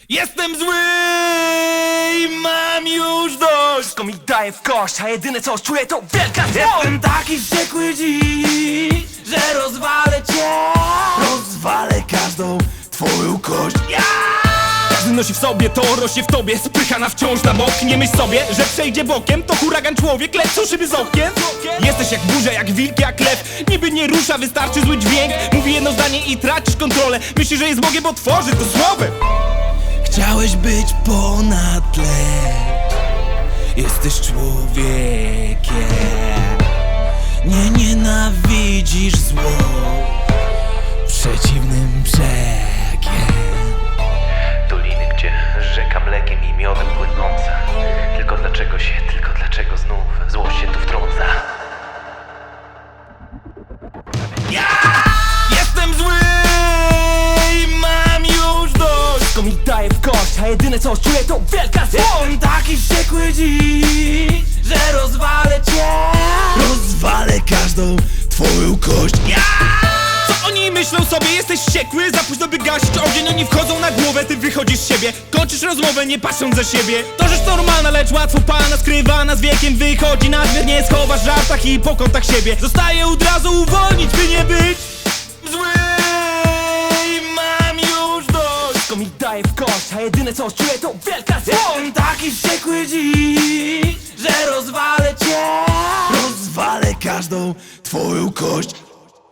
Jestem zły i mam już dość. Wszystko mi daje w kość, a jedyne co czuję to wielka złość. Jestem taki wściekły dziś, że rozwalę cię. Rozwalę każdą twoją kość. Każdy nosi w sobie to, rośnie w tobie. Spychana wciąż na bok. Nie myśl sobie, że przejdzie bokiem. To huragan człowiek, lecą szyby z okien. Jesteś jak burza, jak wilk, jak lew. Niby nie rusza, wystarczy zły dźwięk. Mówi jedno zdanie i tracisz kontrolę. Myślisz, że jest Bogiem, bo tworzy to słowem. Chciałeś być ponad lecz jesteś człowiekiem. Nie nienawidzisz zło przeciwnym brzegiem. Doliny, gdzie rzeka mlekiem i miodem płynąca. Tylko dlaczego znów złość się tu wtrąca? Jestem zły i mam już dość. Wszystko mi daje w kość, a jedyne co czuję to wielka złość. Jestem taki wściekły dziś, że rozwalę cię. Rozwalę każdą twoją kość. Co oni myślą sobie? Jesteś wściekły? Za późno by gasić ogień. Oni wchodzą na głowę, ty wychodzisz z siebie. Kończysz rozmowę, nie patrząc za siebie. To rzecz normalna, lecz łatwo pana skrywana z wiekiem. Wychodzi nadmiar, nie schowasz w żartach i po kątach siebie. Zostaje od razu uwolnić, by nie być zły i mam już dość. Wszystko mi daje w kość, a jedyne co czuję to wielka złość. Jestem taki wściekły dziś, że rozwalę cię. Rozwalę każdą twoją kość.